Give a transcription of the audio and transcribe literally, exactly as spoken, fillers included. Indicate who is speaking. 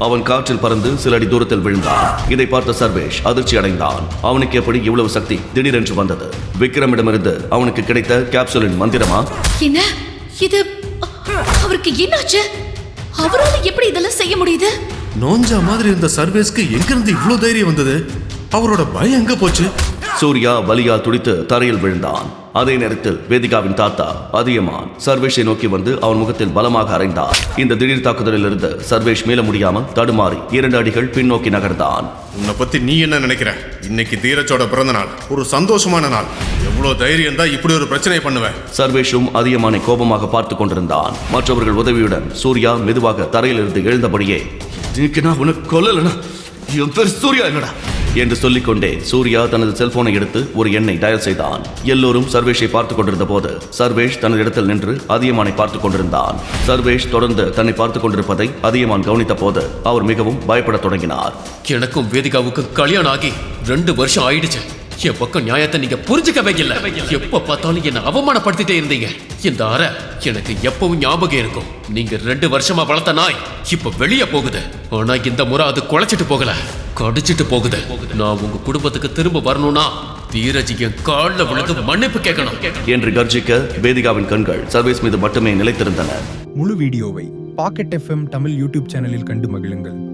Speaker 1: அவன் காற்றில் பறந்து சில அடி தூரத்தில் விழுந்தான். இதை பார்த்த சர்வேஷ் அதிர்ச்சி அடைந்தான். அவனுக்கு எப்படி இவ்வளவு சக்தி திடீரென்று வந்தது? விக்ரமிடமிருந்து அவனுக்கு கிடைத்த கேப்சூலின் மந்திரமா?
Speaker 2: என்ன இது? அவருக்கு என்னாச்சு? அவரால எப்படி இதெல்லாம் செய்ய முடியுது?
Speaker 3: நோஞ்சா மாதிரி இருந்த சர்வேஸ்க்கு எங்கிருந்து இவ்வளவு தைரியம் வந்தது? அவரோட பயம் எங்க போச்சு?
Speaker 1: சூர்யா வலியா துடித்து தரையில் விழுந்தான். அதே நேரத்தில் வேதிகாவின் தாத்தா அதியமான் சர்வேஷை நோக்கி வந்து அவன் முகத்தில் பலமாக அறைந்தார். இந்த திடீர் தாக்குதலில் இருந்து சர்வேஷ் மீள முடியாமல் தடுமாறி இரண்டு அடிகள் பின்னோக்கி நகர்ந்தான்.
Speaker 3: உன்னை பத்தி நீ என்ன நினைக்கிற? இன்னைக்கு தீரஜோட பிறந்த நாள், ஒரு சந்தோஷமான நாள். எவ்வளவு தைரியம் தான் இப்படி ஒரு பிரச்சனை பண்ணுவேன்?
Speaker 1: சர்வேஷும் அதியமானை கோபமாக பார்த்து கொண்டிருந்தான். மற்றவர்கள் உதவியுடன் சூர்யா மெதுவாக தரையிலிருந்து எழுந்தபடியே, நான் உனக்கு கொல்லலனா என் பேர் சூர்யா இல்லடா என்று சொல்லிக்கொண்டே சூர்யா தனது செல்போனை எடுத்து ஒரு எண்ணை டயல் செய்தான். எல்லோரும் சர்வேஷை பார்த்துக் கொண்டிருந்த போது சர்வேஷ் தனது இடத்தில் நின்று அதியமானை பார்த்துக் கொண்டிருந்தான். சர்வேஷ் தொடர்ந்து தன்னை பார்த்துக் கொண்டிருப்பதை அதியமான் கவனித்த போது அவர் மிகவும் பயப்பட தொடங்கினார்.
Speaker 4: எனக்கும் வேதிகாவுக்கும் கல்யாணம் ஆகி ரெண்டு வருஷம் ஆயிடுச்சு. என் பக்கம் நியாயத்தை நீங்க புரிஞ்சுக்கவே இல்லை. எப்ப பார்த்தாலும் என்ன அவமானப்படுத்திட்டே இருந்தீங்க. இந்த அறை எனக்கு எப்பவும் ஞாபகம் இருக்கும். நீங்க ரெண்டு வருஷமா வளர்த்த நாய் இப்ப வெளியே போகுது. ஆனா இந்த முறை அது குலைச்சிட்டு போகல, கடிச்சிட்டு போகுது. நான் உங்க குடும்பத்துக்கு திரும்ப வரணும்னா தீரஜ் என் காலில் விழுந்து மன்னிப்பு கேட்கணும்
Speaker 1: என்று கர்ஜிக்க வேதிகாவின் கண்கள் சர்வேஷ் மீது மட்டுமே நிலைத்திருந்தன.
Speaker 5: முழு வீடியோவை பாக்கெட் எஃப்எம் தமிழ் யூடியூப் சேனலில் கண்டு மகிழுங்கள்.